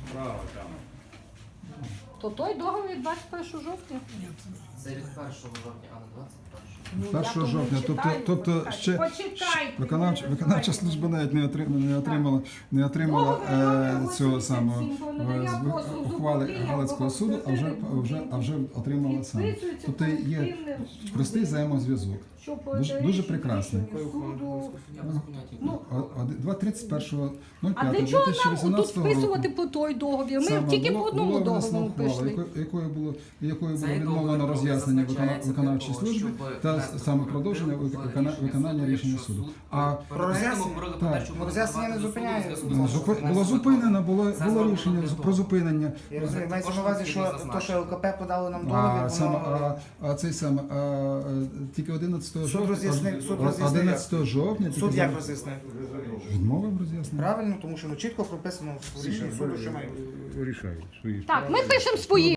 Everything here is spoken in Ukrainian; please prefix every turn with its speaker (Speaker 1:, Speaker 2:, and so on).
Speaker 1: Право, там.
Speaker 2: То той договір від 21 жовтня?
Speaker 3: Це від 1 жовтня, а не 21.
Speaker 2: Ну, я
Speaker 4: 1
Speaker 2: тому
Speaker 4: жовтня.
Speaker 2: читаю,
Speaker 4: Тобто
Speaker 2: почекайте.
Speaker 4: ще
Speaker 2: Почекайте,
Speaker 4: виконавча служба навіть не отримала цього самого ухвали Галицького суду, а вже отримала саме. Тобто є простий взаємозв'язок. Дуже прекрасний.
Speaker 2: Ну,
Speaker 4: 2.31.05.2018
Speaker 2: а для чого нам тут
Speaker 4: року.
Speaker 2: вписувати по той договір? Ми тільки по одному договору пішли.
Speaker 4: Якою було відмовлено роз'яснення виконавчої служби та саме продовження виконання рішення суду. А
Speaker 5: Про роз'яснення не зупиняє.
Speaker 4: було зупинено, було рішення про зупинення.
Speaker 5: Я розумію, мається на увазі, що то, що ЛКП подало нам
Speaker 4: А
Speaker 5: договір,
Speaker 4: цей саме тільки 11
Speaker 5: Суд роз'яснив, суд роз'яснив.
Speaker 4: 11 жовтня
Speaker 5: суд як роз'яснив?
Speaker 4: відмовив роз'яснення.
Speaker 5: Правильно, тому що чітко прописано в рішенні суду, що має.
Speaker 4: Рішають свої
Speaker 2: Так, ми пишемо свої.